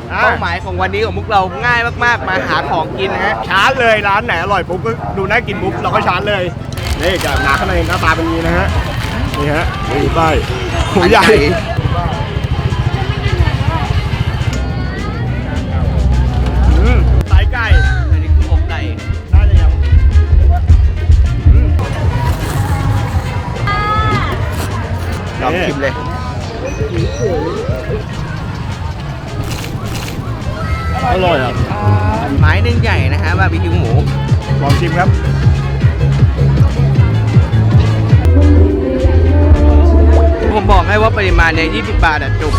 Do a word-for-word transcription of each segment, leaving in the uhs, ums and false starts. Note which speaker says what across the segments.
Speaker 1: เป้าหมายของวันนี้ของพวกเราง่ายมากๆมาหาของกินนะฮะชาร์จเลยร้านไหนอร่อยปุ๊บก็ดูน่ากินปุ๊บเราก็ชาร์จเลยนี่จะหนาข้างในหน้าตาเป็นอย่างนี้นะฮะนี่ฮะนี่ป้ายหัวใหญ่ไส้ไก่อันนี้คืออกไก่น่าจะยังลองชิมเลยอร่อยอ่ะไม้หนึ่งใหญ่นะฮะบาร์บีคิวหมูลองชิมครับผมบอกให้ว่าปริมาณเนี่ยยี่สิบบาทอ่ะจุก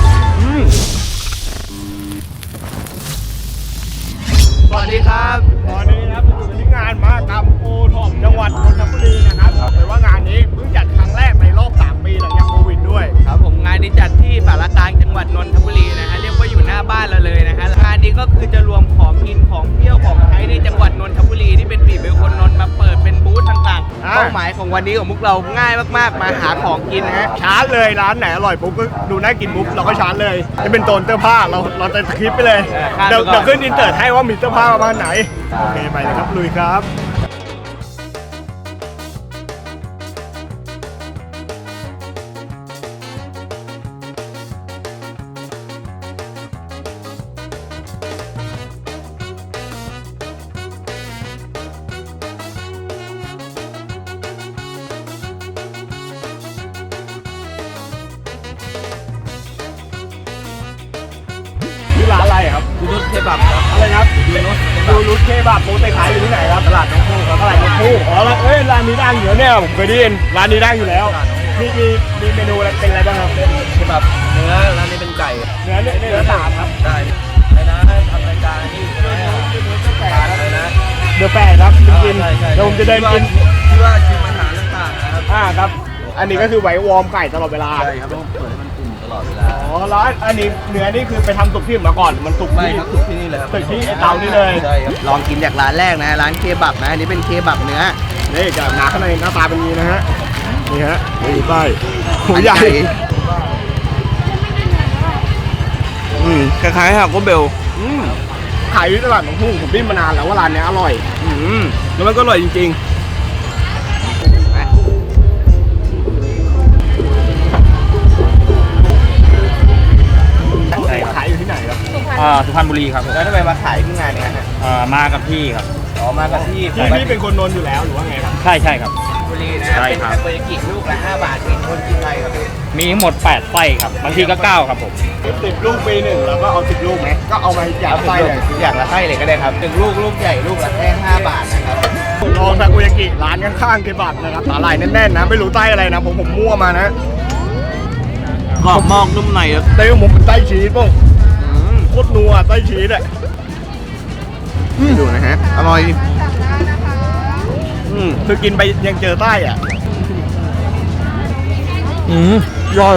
Speaker 1: สวัสดีครับตอนนี้นะครับอยู่ที่งานมหกรรมโอท็อปจังหวัดนนทบุรีนะครับแต่ว่างานนี้เพิ่งจัดครั้งแรกในรอบสามปีหลังจากโควิดด้วยครับผมงานนี้จัดที่สารกลางจังหวัดนนทบุรีนะฮะเรียกว่าอยู่หน้าบ้านเราเลยนะฮะงานนี้ก็คือจะรวมของกินของเที่ยวของใช้ในจังหวัดนนทบุรีที่เป็นปีเป็นคนนนท์มาเปิดเป็นบูธต่างๆเป้าหมายของวันนี้ของพวกเราง่ายมากๆมาหาของกินนะฮะชาร์จเลยร้านไหนอร่อยปุ๊บก็ดูน่ากินปุ๊บเราก็ชาร์จเลยจะเป็นโซนเสื้อผ้าเราเราจะคลิปไปเลยเดี๋ยวเดี๋ยวขึ้นอินเตอร์ให้ว่ามีเสื้อผ้าประมาณไหนโอเคไปเลยครับลุยครับร้านอะไรครับยูนุสเคบับครับอะไรครับยูนุสยูนุสเคบับโปรตีนขายอยู่ที่ไหนครับตลาดน้องคู่ครับตลาดน้องคู่อ๋อแล้วเอ้ยร้านนี้ดังอยู่เนี่ยผมเคยได้ยินร้านนี้ดังอยู่แล้วมีมีมีเมนูอะไรเป็นอะไรบ้างครับเคบับเนื้อร้านนี้เป็นไก่เนื้อเนื้อเนื้อสามครับได้ไอ้นะทำรายการนี่อะไรนะเดอะแฟร์ครับกินเดี๋ยวผมจะเดินกินที่ว่าชิมอาหารต่างๆนะครับอ่าครับอันนี้ก็คือไว้วอร์มไก่ตลอดเวลาใช่ครับต้องเปิดให้มันอุ่นตลอดเวลาอ๋อแล้วอันนี้เนื้อนี่คือไปทำสุกที่มาก่อนมันสุกไม่ครับสุกที่นี่เลยครับสุกที่เตานี่เลยใช่ครับลองกินจากร้านแรกนะร้านเคบับนะอันนี้เป็นเคบับเนื้อนี่จะหนาข้างในหน้าตาเป็นอย่างนี้นะฮะนี่ฮะนี่ป้ายหัวใหญ่อืมคล้ายๆครับก็เบลอืมขายที่ตลาดหนองพุ่งผมดิ้นมานานแล้วว่าร้านนี้อร่อยอืมแล้วมันก็อร่อยจริงๆขายอยู่ที่ไหนครับสุพรรณบุรีครับแล้วทำไมมาขายที่งานนี้ฮะมากับพี่ครับอ๋อมากับพี่พี่เป็นคนนนท์อยู่แล้วหรือว่าไงครับใช่ใช่ครับบุรีนะเป็นทาโกยากิลูกละห้าบาทมีคนกินไรครับมีทั้งหมดแปดไส้ครับบางทีก็เก้าครับผมสิบลูกปีหนึ่งแล้วก็เอาสิบลูกไหมก็เอามาอย่างละไส้เลยอย่างละไส้เลยก็ได้ครับหนึ่งลูกลูกใหญ่ลูกละแค่ห้าบาทนะครับลองทาโกยากิร้านข้างๆเคบับนะครับสาหร่ายแน่นๆนะไม่รู้ไส้อะไรนะผมผมมั่วมานะกรอบมอกนุ่มในครับเต้ผมเป็นไส้ชีสป่ะโคตรนัวไส้ชีสอ่ะดูนะฮะอร่อยอืมคือกินไปยังเจอไส้อ่ะอืมย่อย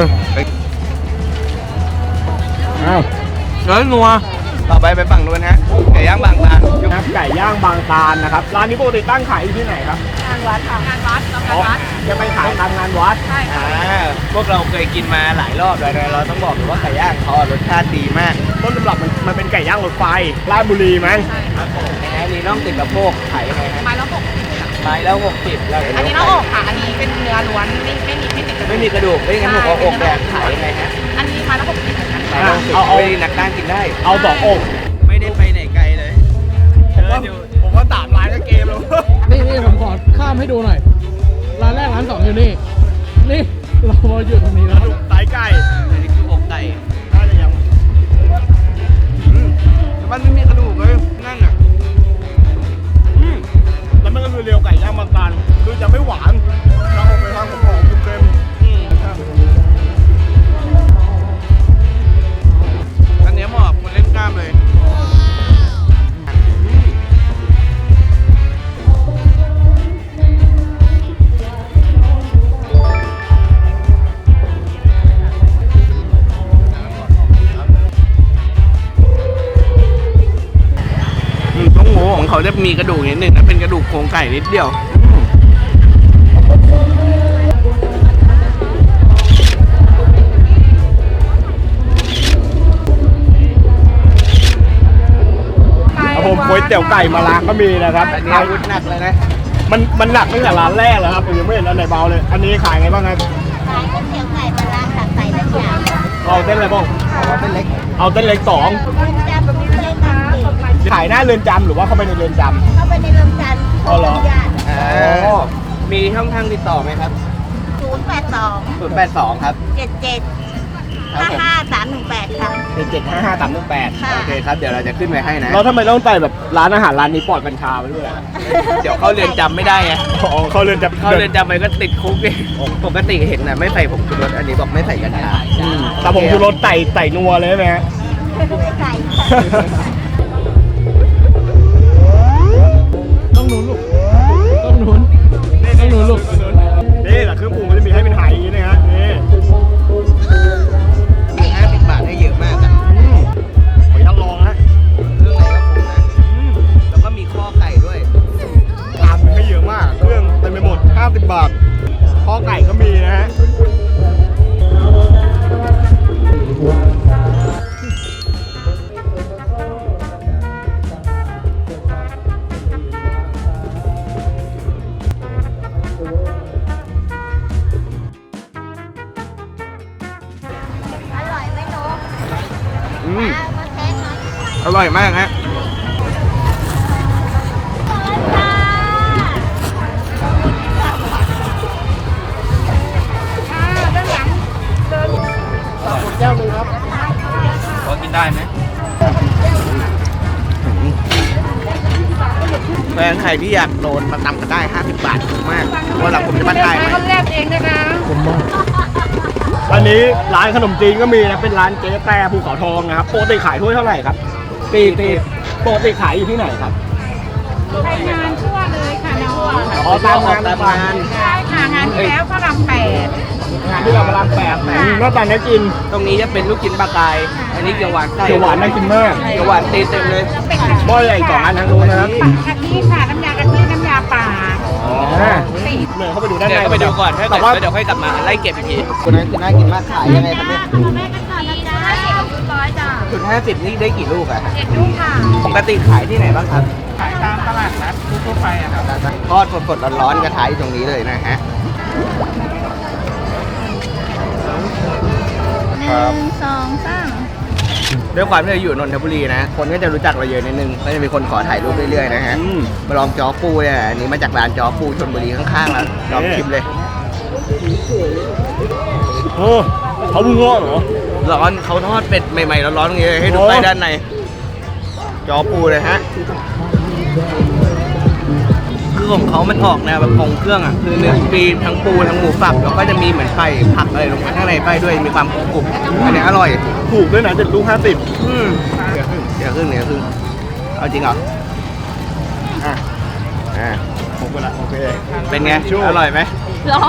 Speaker 1: อ้าวแล้วนัวต่อไปไปฝั่งนู้นฮะไก่ย่างบางตาลครับไก่ย่างบางตาลนะครับร้านนี้ปกติตั้งขายอยู่ที่ไหนครับงานวัดค่ะงานวัดงานวัดจะไปขายตามงานวัดใช่ค่ะพวกเราเคยกินมาหลายรอบเลยนะเราต้องบอกเลยว่าไก่ย่างเขารสชาติดีมากต้นตำรับมันมันเป็นไก่ย่างรถไฟราชบุรีมั้งใช่ครับผมนะฮะนี่น่องติดกระโปงขายยังไงฮะไม้ละหกสิบไม้ละหกสิบแล้วอันนี้น่องอกค่ะอันนี้เป็นเนื้อล้วนไม่ไม่มีไม่ติดไม่มีกระดูกไม่งั้นผมเอาอกแดงขายยังไงฮะอันนี้ไม้ละหกสิบเหมือนกันเอาเอานักด้านกินได้เอาสองอกไม่ได้ไปไหนไกลเลยผมว่าสามร้านก็เกมแล้ว
Speaker 2: นี่นี่ผมขอข้ามให้ดูหน่อยร้านแรกร้านสองอยู่นี่นี่เราอยู่ตรงนี้แล้ว
Speaker 1: ไส้ไก่อันนี้คืออกไก่น่าจะยังมันไม่มีกระดูกเลยนั่นอ่ะแล้วมันก็คือเรียวไก่ย่างบางตาลคือจะไม่หวานเราออกไปทางของของเค็มอันนี้เหมาะคนเล่นกล้ามเลยของเขาจะมีกระดูกนิดหนึ่งนะเป็นกระดูกโครงไก่นิดเดียวก๋วยเตี๋ยวไก่มาล้างก็มีนะครับ
Speaker 3: อันนี้อาวุธหนักเลยนะ
Speaker 1: มันมันหนักตั้งแต่ร้านแรกแล้วครับผมยังไม่เห็นอันไหนเบาเลย อันนี้ขายไงบ้างครับ
Speaker 4: ขายก๋วยเตี๋ยวไก่ปลาร้าตักใส่น้ำยา
Speaker 1: เอาเส้นอะไรบ้าง
Speaker 3: เอาเป็นเล็ก
Speaker 1: เอาเส้นเล็กสอง
Speaker 4: เรือนจำแบบนี้ไม่ได้ทำสิ
Speaker 1: ขายหน้าเรือนจำหรือว่าเข้าไปในเรือนจำ
Speaker 4: เข้าไปในเรือนจำ
Speaker 1: อ๋อเหรอ
Speaker 4: ญาติ
Speaker 3: อ่ามีช่องทางติดต่อไหมครับ
Speaker 4: ศูนย์แปดสอง
Speaker 3: ศูนย์แปดสองครับ
Speaker 4: เจ็ดเจ็ด
Speaker 3: ครับ
Speaker 4: ห้า
Speaker 3: ผม
Speaker 4: ห้าสามหนึ่งแปดค่ะ
Speaker 1: เจ็ดเจ็ดห้าห้าสามหนึ่งแปด
Speaker 4: ค่ะ
Speaker 3: โอเคครับ เดี๋ยวเราจะขึ้นไปให้นะ
Speaker 1: เราทำไมต้องใส่แบบร้านอาหารร้านนี้ปลอดกัญชาไว้ด้วยอะ
Speaker 3: เดี๋ยวเข้าเรือนจำไม่ได้ไง
Speaker 1: อ๋อเข้าเรือนจำ
Speaker 3: เข้าเรือนจำไปก็ติดคุกดิปกติเห็นนะไม่ใส่ผงชูรสอันนี้บอกไม่ใส่กัญชา
Speaker 1: อืมแต่ผมคือรสไต่ไต่นัวเลยใช่ไหมฮะ
Speaker 4: ไม่ไก่
Speaker 2: ต้องหนุนลูกต้องหนุนต้องหนุนลูก
Speaker 1: นี่แหละเครื่องปรุงมันจะมีให้เป็นไหอย่างนี้นะฮะนี่
Speaker 3: คือห้าสิบบาทให้เยอะมากอะ
Speaker 1: อืมขออนุญาตลองนะ
Speaker 3: เครื่องในก็ครบนะ
Speaker 1: อืม
Speaker 3: แล้วก็มีข้อไก่ด้วย
Speaker 1: ตามมันให้เยอะมาก เครื่องเต็มไปหมดห้าสิบบาทข้อไก่ก็มีนะฮะ
Speaker 4: อร่อยไหมหนู
Speaker 3: อืม
Speaker 4: เอามาแทนหน่อย
Speaker 3: อร่อยมากฮะ พอกินได้ไหมแฟนใครที่อยากโดนมาตำกันได้ห้าสิบบาทถูกมากว่าหลังผมจะมาถ่ายไหม
Speaker 2: ผมมาก
Speaker 1: อันนี้ร้านขนมจีนก็มีนะ เป็นร้านเจ๊แต่ภูเขาทองนะครับปกติขายถ้วยเท่าไหร่ครับตีตีปกติขายอยู่ที่ไหนครับ
Speaker 5: ไปงานทั่วเลยค่ะน้อง
Speaker 1: อ๋อตามงาน
Speaker 3: ตามงาน
Speaker 5: ใช่ค่ะงานที่แล้วพระรามแปด
Speaker 1: งานที่เรากำลังแปลกไหนหน้าตาน่ากิน
Speaker 3: ตรงนี้จะเป็นลูกชิ้นปลากาย อันนี้เกี๊ยวหวานไก่
Speaker 1: เขียวหวานน่ากินมาก
Speaker 3: เกี๊ยวหวานตีเต็มเลย
Speaker 5: เป็นกะ
Speaker 1: หม้อใหญ่สองอันทางนู้นนะครับ
Speaker 5: ทิค่ะน้ำยากะทิน้ำยาป่า
Speaker 1: อ๋อเหมือนเข้าไปดูด้านใน
Speaker 3: เดี๋ยวก็ไปดูก่อนถ้าเกิ
Speaker 1: แต่
Speaker 3: ด
Speaker 1: ว่า
Speaker 3: แล้วเดี๋ยวค่อยกลับมาไล่เก็บอีกทีคนนั้นคือน่ากินมากขายยังไงครับเนี่ย
Speaker 4: แม่กันก่อนนะจ๊ะสิบร้อยจ้ะ
Speaker 3: ชุดห้าสิบนี่ได้กี่ลูกอะ
Speaker 4: เจ็ดลูกค่ะ
Speaker 3: ปกติขายที่ไหนบ้างครับ
Speaker 5: ขายตามตลาดนัดทั่วไปอะครับ
Speaker 3: ทอดสดๆร้อนๆกระทะอยู่ตรงนี้เลยนะฮะ
Speaker 4: หนึ่งสองสาม
Speaker 3: ด้วยความที่เราอยู่นนทบุรีนะ คนก็จะรู้จักเราเยอะนิดนึง ก็จะมีคนขอถ่ายรูปเรื่อยๆนะฮะ
Speaker 1: อืม
Speaker 3: มาลองจอปูเนี่ยอันนี้มาจากร้านจอปูชลบุรีข้างๆแล้วลองชิมเลย
Speaker 1: เออเขาเพิ่งงอกเหรอ
Speaker 3: ร้อนเขาทอดเป็ดใหม่ๆร้อนๆอย่างเงี้ยให้ดู
Speaker 1: โอ้
Speaker 3: ไปด้านใน จอปูเลยฮะ คือของเขามันออกแนวแบบของเครื่องอ่ะ คือเนื้อปีทั้งปูทั้งหมูสับแล้วก็จะมีเหมือนไข่ผักอะไรลงมาข้างในไปด้วย มีความกรุบๆอันนี้อร่อย
Speaker 1: ถูกด้วยนะเจ็ดลูกห้าสิบ
Speaker 3: อืมเดี๋ยวครึ่งเดี๋ยวครึ่งเอาจริงเหรอ
Speaker 1: อ่ะ
Speaker 3: อ่า
Speaker 1: ผมก็ละโอเค
Speaker 3: เป็นไง อร่อยไหม
Speaker 4: ร้อน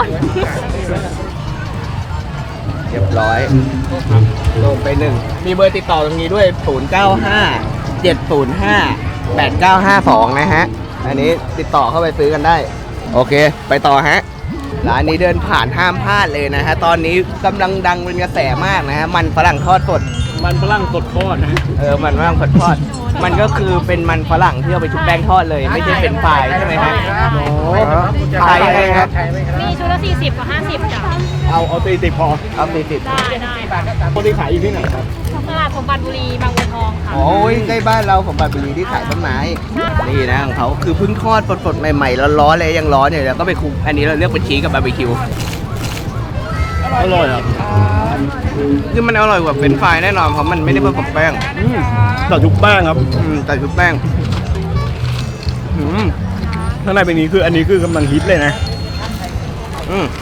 Speaker 3: เรียบร้อยลงไปหนึ่ง มีเบอร์ติดต่อตรงนี้ด้วย ศูนย์ เก้า ห้า เจ็ด ศูนย์ ห้า แปด เก้า ห้า สอง นะฮะ อันนี้ติดต่อเข้าไปซื้อกันได้ โอเค ไปต่อฮะ ร้านนี้เดินผ่านห้ามพลาดเลยนะฮะ ตอนนี้กำลังดังเป็นกระแสมากนะฮะ มันฝรั่งทอดสด
Speaker 1: มันฝรั่งสดทอดนะ
Speaker 3: เออ มันฝรั่งสดทอด มันก็คือเป็นมันฝรั่งที่เอาไปชุบแป้งทอดเลย ไม่ใช่เป็นฝายใช่ไหมฮะ
Speaker 1: โอ้
Speaker 3: ขายยังไงครับ
Speaker 5: มีชุดละสี่สิบกับห้าสิบจ้ะ
Speaker 1: เอาเอาตีติดพอ
Speaker 3: เอาสี่สิบ
Speaker 5: ได้ได้
Speaker 1: ปกติขายอยู่ที่ไหนครับ
Speaker 5: ตลาดสมบัติบุรีบางบัวทองค่ะ
Speaker 3: โอ้ยใกล้บ้านเราของบัตรบุรีที่ขายต้นไม้ นี่นะของเขาคือเพิ่งทอดสดๆใหม่ๆร้อนๆเลยยังร้อนอยู่แล้วก็ไปคลุกอันนี้เราเลือกเป็นชีสกับบาร์บีคิว
Speaker 1: อร่อยครับ
Speaker 3: คือมันอร่อยกว่าเป็นช์ฟรายแน่นอนเพราะมันไม่ได้ผสมแป้ง
Speaker 1: อืมแต่ทุกแป้งครับ
Speaker 3: อืมแต่ชุบแป้ง
Speaker 1: อืมข้างในเป็นนี้คืออันนี้คือกำลังฮิตเลยนะ
Speaker 3: อืม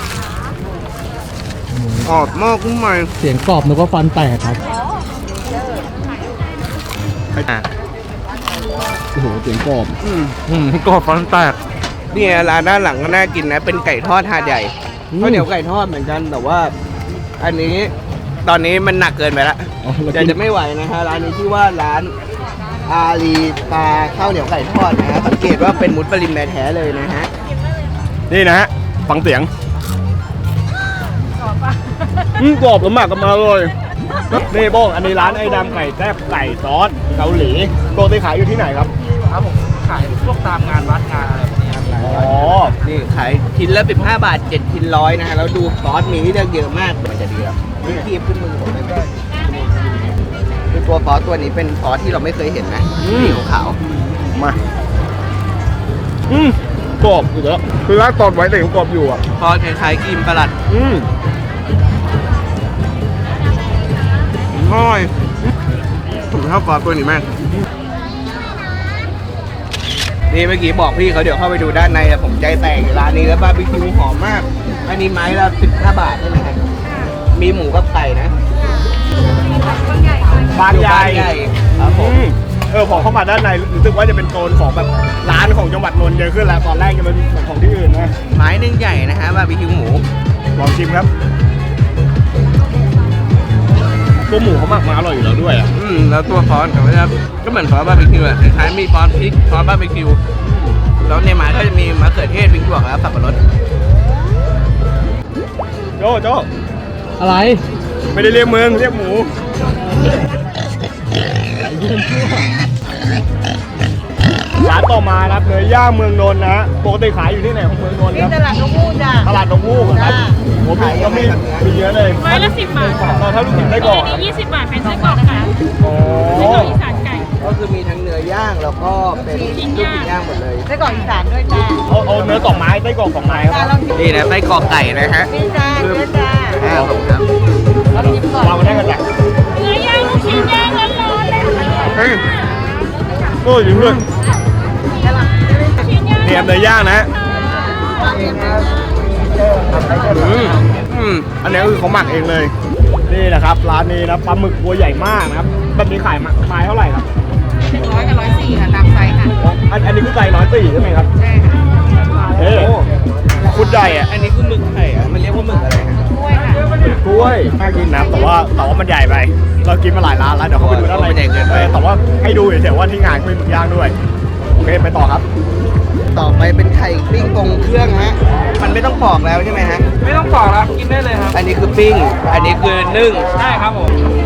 Speaker 3: ออกมากขึ้นมา
Speaker 2: เสียงกรอบนึกว่าฟันแตกครับ
Speaker 3: อ่ะ
Speaker 2: โอ้โหเสียงกรอบ
Speaker 3: อืม
Speaker 2: อืมกรอบฟันแตก
Speaker 3: เนี่ยร้านด้านหลังก็น่ากินนะ เป็นไก่ทอดหาดใหญ่
Speaker 2: อืม
Speaker 3: ข้าวเหนียวไก่ทอดเหมือนกันแต่ว่า อันนี้ตอนนี้มันหนักเกินไปละ
Speaker 2: อ๋อเรา
Speaker 3: เดี๋ยว
Speaker 2: กิน
Speaker 3: จะไม่ไหวนะฮะร้านนี้ชื่อว่าร้านอารีตาข้าวเหนียวไก่ทอดนะฮะสังเกตว่าเป็นมุสลิมแท้ๆเลยนะฮะ
Speaker 1: นี่นะฮะฟังเสียงอืมกรอบแล้วหมักกันมาเลยนี่โบ้งอันนี้ร้านไอ้ดำไก่แซ่บไก่ซอสเกาหลีปกติขายอยู่ที่ไหนครับ
Speaker 3: ครับผมขายพวกตามงานวัดงานอะไรพวกนี้ครับ
Speaker 1: อ๋อ
Speaker 3: นี่ขายชิ้นละสิบห้าบาทเจ็ดชิ้นร้อยนะฮะแล้วดูซอสมีให้เลือกเยอะมากมันจะดีครับนี่คีบขึ้นมือผมเลยคือตัวซอสตัวนี้เป็นซอสที่เราไม่เคยเห็นนะสีขาว
Speaker 1: มาอืมกรอบอยู่แล้วคือร้านตอนไว้แต่ยังกรอบอยู่อ่ะ
Speaker 3: ๆซอสคล้ายๆครีมประหลัด
Speaker 1: อืม
Speaker 3: ง่อยผมชอบซอสตัวนี้มากนี่เมื่อกี้บอกพี่เขาเดี๋ยวเข้าไปดูด้านในอะผมใจแตกร้านนี้แล้วบาร์บีคิวหอมมาก อันนี้ไม้ละสิบห้าบาทใช่ไหมครับมีหมูกับไก่นะ
Speaker 1: บางใหญ่
Speaker 3: ครับผ
Speaker 1: อื
Speaker 3: ม
Speaker 1: มเออพอเข้ามาด้านในรู้สึกว่าจะเป็นโซนของแบบร้านของจังหวัดนนท์เยอะขึ้นแล้วตอนแรกจะเป็นเหมือนของที่อื่นนะ
Speaker 3: ไม้หนึ่งใหญ่นะฮะบาร์บีคิวหมู
Speaker 1: ลองชิมครับตัวหมูเขาหมักมาอร่อยอยู่แล้วด้วยอ่ะ
Speaker 3: อืมแล้วตัวซอสเขาจะก็เหมือนซอสบาร์บีคิวอะคล้ายๆมีซอสพริกซอสบาร์บีคิวแล้วในไม้ก็จะมีมะเขือเทศพริกหยวกแล้วสับปะรด
Speaker 1: โจโจ
Speaker 2: อะไร
Speaker 1: ไม่ได้เรียกมึงเรียกหมู ร้านต่อมานะครับเนื้อย่างเมืองนนท์นะฮะปกติขายอยู่ที่ไหนของเมืองนนท์ครับ
Speaker 5: ตลาดนกฮูกจ้ะ
Speaker 1: ตลาดนกฮูกครับผมมีก็มีมีเยอะเลย
Speaker 5: ไม้ละสิบบาทค่ะ
Speaker 1: เราถ้าลูกชิ้นได้ก่อน
Speaker 5: อันนี้ยี่สิบบาทเป็นไส้กรอกค่ะ
Speaker 1: อ๋อ
Speaker 5: ไส้กรอกอีสานไก่
Speaker 3: ก็คือมีทั้งเนื้อย่างแล้วก็เป็นลูกชิ้นย่างหมดเลย
Speaker 5: ไส้กรอกอีสานด้วยจ้า
Speaker 1: เอาเอาเนื้อสองไม้ได้กล่องสองไม้ครับ
Speaker 3: นี่นะไส้กรอกไก่นะฮะ
Speaker 5: นี่จ้าเนื้อจ้า
Speaker 3: อ่าผมครับ
Speaker 1: วางมาได้กันแหละ
Speaker 5: เนื้อย่างลูกชิ้นย่างร้อนๆเลยค่ะ
Speaker 1: เฮ้ยโอ้ยจริงด้วย
Speaker 5: ชิ้นย่าง
Speaker 1: เตรียมเนื้อย่างนะ
Speaker 3: อืมอืม
Speaker 1: อันนี้คือเขาหมักเองเลย นี่นะครับร้านนี้นะปลาหมึกตัวใหญ่มากนะครับแบบนี้ขายมาไม้เท่าไหร่ครับ
Speaker 5: หนึ่งร้อยกับร้อยสี่ค่ะตามไซส์ค่ะ
Speaker 1: อันอันนี้คือไก่ร้อยสี่ใช่ไหมครับ
Speaker 5: ใช่ค่ะ
Speaker 1: เฮ้ยคุณใหญ่อะ
Speaker 3: อันนี้คือหมึกไข่อะมันเรียกว่าหมึกอะไรฮะ
Speaker 5: กล้วยค่ะ
Speaker 1: กล้วยน่ากินนะแต่ว่าแต่ว่ามันใหญ่ไป เรากินมาหลายร้านแล้วเดี๋ยวเขาไปดูด้านใน
Speaker 3: มันใหญ่เกินไป
Speaker 1: ออแต่ว่าให้ดูเฉยๆว่าที่งานก็มีหมึกย่างด้วยโอเคไปต่อครับ
Speaker 3: ต่อไปเป็นไข่ปิ้งตรงเครื่องฮะ มันไม่ต้องปอกแล้วใช่ไหมฮะ
Speaker 5: ไม่ต้องปอกแล้วกินได้เลยครับ
Speaker 3: อันนี้คือปิ้ง อันนี้คือนึ่ง
Speaker 5: ใช่ครับผม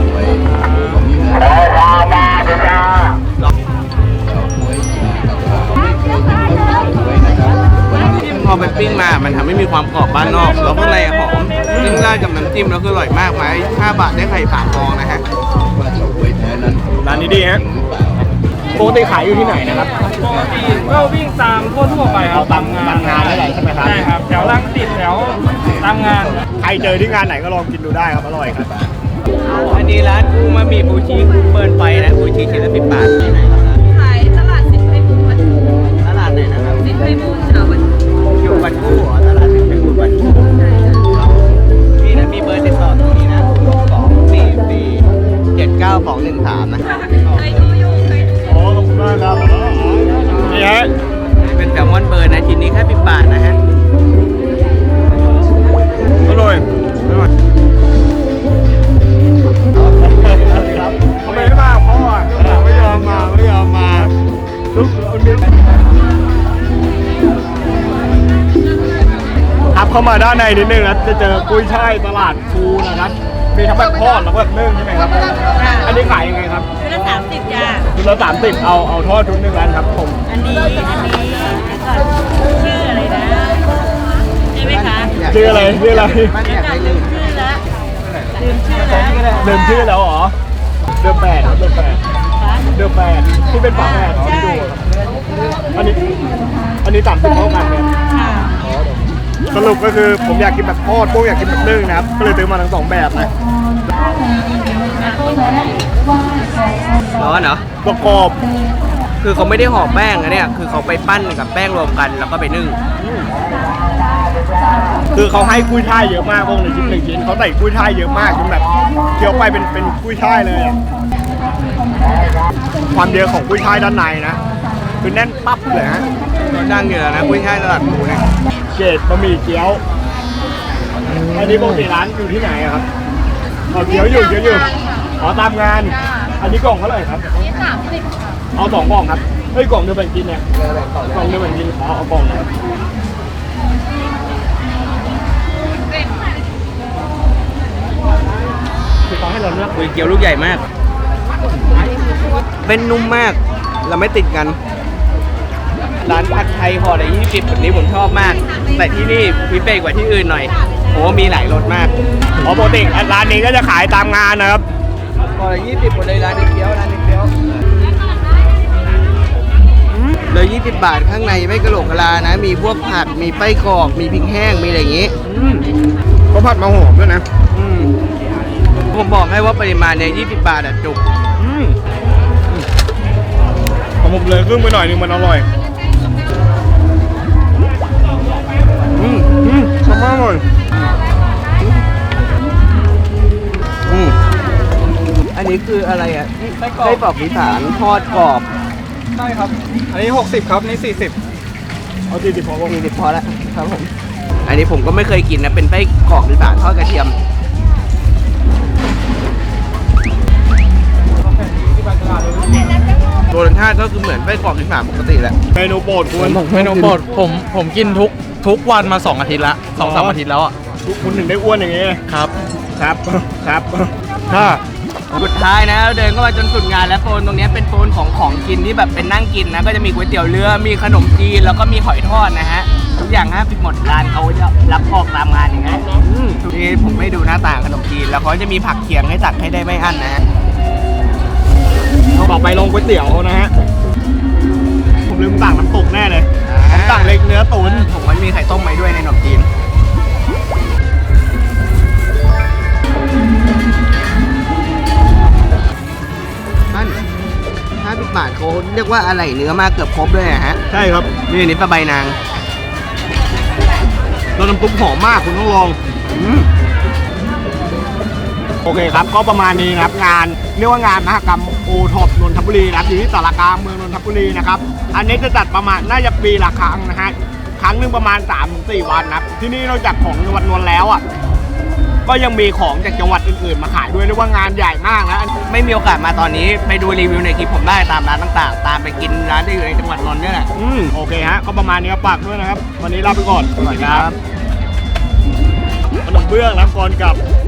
Speaker 3: พอไปปิ้งมา มันทำให้มีความกรอบบ้านนอก แล้วข้างในหอมซึ่งราดกับน้ำจิ้มแล้วคืออร่อยมากไหมห้าบาทได้ไข่ฝาฟองนะฮะ
Speaker 1: ร้านนี้ดีฮะปกติขายอยู่ที่ไหนนะครับ
Speaker 5: ปกติก็วิ่งตามทั่วๆไปครั
Speaker 1: เอา
Speaker 5: บ
Speaker 1: ตามตามงานได้เลยใช่ไหมครับ
Speaker 5: ใช่ครับแถวรังสิตแถวตามงาน
Speaker 1: ใครเจอที่งานไหนก็ลองกินดูได้ครับอร่อยครับ
Speaker 3: อันนี้ร้านกุ้งมามีบูชีกุ้งเบิร์นไฟนะบูชีชิ้นละสิบบาทที่ไหนครับ
Speaker 4: ขายตลาดสินไพบูลย์
Speaker 3: ตลาดไหนนะครับ
Speaker 4: สินไพบูลย์ค่ะวัน
Speaker 3: อยู่บันกู้เหรอตลาดเป็นกู้บันกู้นี่นะมีเบอร์ติดต่อตรงนี้นะสองสี่สี่เจ็ดเก้าสองหนึ่งสามนะ
Speaker 4: เคยดูอยู่เคยดู
Speaker 1: อ๋อขอบคุณมากครับนี่ฮะ
Speaker 3: เป็นแซลมอนเบิร์นนะชิ้นนี้แค่สิบบาทนะฮะ
Speaker 1: อร่อยอร่อยครับทำไมไม่มาพ่ออ่ะไม่ยอมมาไม่ยอมมาลุกเอาเนื้อครับเข้ามาด้านในนิดนึงนะจะเจอกุ้ยช่ายตลาดภูนะครับมีทั้งแบบทอดแล้วก็แบบนึ่งใช่ไหมครับ อันนี้ขายยังไงครับ
Speaker 5: ชุดละสามสิบจ้า
Speaker 1: ชุดละสามสิบเอาเอาทอดชุดหนึ่งอันครับผม
Speaker 5: อันนี้ อันนี้ก่อนชื่ออะไรนะใช่ไหมคะ
Speaker 1: ชื่ออะไรชื่ออะไร
Speaker 3: มันอยากได้ลืม
Speaker 5: ชื่อละลืมชื่อแล้ว
Speaker 1: เดิมชื่อแล้วเหรอเดือนแปดครับเดือนแปดเดือนแปดที่เป็นฝาแฝดที่ดูครับอันนี้อันนี้สามสิบเท่ากันเนี่ย
Speaker 5: ค่ะ
Speaker 1: สรุปก็คือผมอยากกินแบบทอดพวกอยากกินแบบนึ่งนะครับก็เลยซื้อมาทั้งสองแบบนะ
Speaker 3: ร้อนเหรอ
Speaker 1: ประกอบ
Speaker 3: คือเขาไม่ได้ห่อแป้งนะเนี่ยคือเขาไปปั้นกับแป้งรวมกันแล้วก็ไปนึ่ง
Speaker 1: คือเขาให้กุ้ยช่ายเยอะมากพวกหนึ่งชิ้นหนึ่งชิ้นเขาใส่กุ้ยช่ายเยอะมากจนแบบเคี้ยวไปเป็นเป็นกุ้ยช่ายเลยอะความเยอะของกุ้ยช่ายด้านในนะคือแน่นปั๊บเลยฮะ
Speaker 3: ก็ดังอยู่แล้วนะกุ้ยช่ายตลาดหมูเนี่ย
Speaker 1: เกรดบะหมี่เกี๊ยวอันนี้ปกติร้านอยู่ที่ไหนอะครับอ๋อเกี๊ยวอยู่เกี๊ยวอยู่อ๋อตามงาน อันนี้กล่องเท่าไหร่ครับ
Speaker 4: นี่สามสิบ
Speaker 1: เอาสองกล่องครับเฮ้ยกล่องเดียวแบ่งกินเนี่ยกล่องเดียวแบ่งกินอ๋อเอากล่องนะครับ คือเขาให้เราเลือก
Speaker 3: ก๋วยเตี๋ยวลูกใหญ่มาก เป็นนุ่มมาก เราไม่ติดกันร้านผัดไทยห่อละยี่สิบแบบนี้ผมชอบมาก แต่ที่นี่พิเศษกว่าที่อื่นหน่อยโอ้มีหลายรสมาก
Speaker 1: เพราะปกติร้านนี้ก็จะขายตามงานนะครับ
Speaker 3: ห่อละยี่สิบหมดเลยร้านนี้เกี๊ยวร้านนี้เกี๊ยวเลยยี่สิบบาทข้างในไม่กระโหลกกะลานะ มีพวกผักมีไส้กรอกมีพริกแห้งมีอะไรอย่างงี้
Speaker 1: ก็ผัดมาหอมด้วยนะ
Speaker 3: อืมผมบอกให้ว่าปริมาณเนี่ยยี่สิบบาทอะจุก
Speaker 1: อืมของผมเลยครึ่งไปหน่อยนึงมันอร่อย
Speaker 3: อืม
Speaker 1: อืมชอบมากเลย
Speaker 3: อืมอันนี้คืออะไรอ่ะไส้กรอกอีสานทอดกรอบ
Speaker 1: ใช่ครับ อันนี้หกสิบครับนี่สี่สิบเอาสี่สิบพอ
Speaker 3: สี่สิบพอแล้วครับผมอันนี้ผมก็ไม่เคยกินนะเป็นไส้กรอกอีสานทอดกระเทียมรสชาติก็คือเหมือนไส้กรอกอีสานปกติแหละ
Speaker 1: เมนูโปรดคุณ
Speaker 2: เมนูโปรดผมผมกินทุกทุกวันมาสองอาทิตย์ละสองสามอาทิตย์แล้วอ่ะ
Speaker 1: คุณถึงได้อ้วนอย่างนี้
Speaker 2: ครับ
Speaker 1: ครับครับ
Speaker 2: ถ้า
Speaker 3: สุดท้ายนะเดินเข้ามาจนสุดงานแล้วโซนตรงนี้เป็นโซนของของกินที่แบบเป็นนั่งกินนะก็จะมีก๋วยเตี๋ยวเรือมีขนมจีนแล้วก็มีหอยทอดนะฮะทุกอย่างห้าสิบหมดร้านเขาจะรับออกตามงานอย่างเงี้ยอืมนี่ผมไม่ดูหน้าต่างขนมจีนแล้วเขาจะมีผักเคียงให้ตักให้ได้ไม่อั้นนะฮะ
Speaker 1: ต่อไปลงก๋วยเตี๋ยวนะฮะ ผมลืมสั่งน้ำตกแน่เลยผมสั่งเล็กเนื้อตุ๋น
Speaker 3: ผมมันมีไข่ต้มไว้ด้วยในขนมจีนมันห้าสิบบาทเขาเรียกว่าอะไรเนื้อมากเกือบครบด้วยนะฮะ
Speaker 1: ใช่ครับ
Speaker 3: นี่อันนี้ปลาใบนาง
Speaker 1: แล้วน้ำซุปหอมมากคุณต้องลอง
Speaker 3: อืม
Speaker 1: โอเคครับ ก็ประมาณนี้นะครับงานเรียกว่างานมหกรรมโอท็อปนนทบุรีนะครับอยู่ที่สารกลางเมืองนนทบุรีนะครับอันนี้จะจัดประมาณน่าจะปีละครั้งนะฮะครั้งหนึ่งประมาณ สามถึงสี่ วันนะครับที่นี่นอกจากของจังหวัดนนท์แล้วอ่ะก็ยังมีของจากจังหวัดอื่นๆมาขายด้วยเรียกว่างานใหญ่มากนะ
Speaker 3: ไม่มีโอกาสมาตอนนี้ไปดูรีวิวในคลิปผมได้ตามร้านต่างๆ ตามไปกินร้านที่อยู่ในจังหวัดนนท์เนี่ยแหละ
Speaker 1: อืมโอเคฮะก็ประมาณนี้ครับฝากด้วยนะครับ วันนี้ลาไปก่อนสวัสดีครับขนมเบื้องน้ำกรกับ